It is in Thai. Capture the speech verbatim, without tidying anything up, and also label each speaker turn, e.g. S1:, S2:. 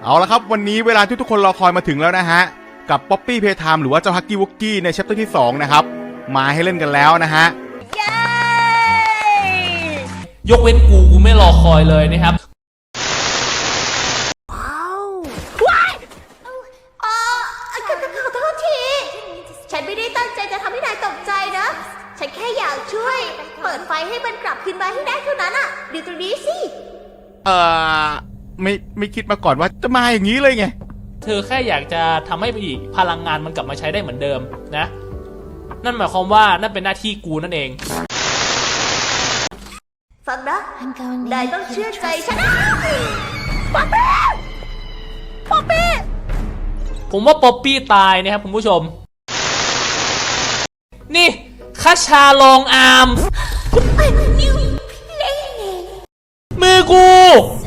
S1: เอาละครับวันนี้เวลาที่ทุกคนรอคอยมาถึงแล้วนะฮะกับป๊อปปี้เพย์ไทม์หรือว่าเจ้าฮักกี้วุกกี้ในแชปเตอร์ที่สองนะครับมาให้เล่นกันแล้วนะฮะ
S2: ยกเว้นกูกูไม่รอคอยเลยนะครับ
S3: ว้าวว้ายเออขอโทษทีฉันไม่ได้ตั้งใจจะทำให้นายตกใจนะฉันแค่อยากช่วยเปิดไฟให้มันกลับคืนมาให้ได้เท่านั้นอ่ะดูตรงนี้สิ
S1: เอ่อไม่ไม่คิดมาก่อนว่าจะมาอย่างนี้เลยไง
S2: เธอแค่อยากจะทำให้อีกพลังงานมันกลับมาใช้ได้เหมือนเดิมนะนั่นหมายความว่านั่นเป็นหน้าที่กูนั่นเอง
S3: ฟังนะนายต้องเชื่อใจฉันนะป๊อปปี้ป๊อปปี้
S2: ผมว่าป๊อปปี้ตายนะครับคุณผู้ชมนี่คาชาลองอาร์มมือกู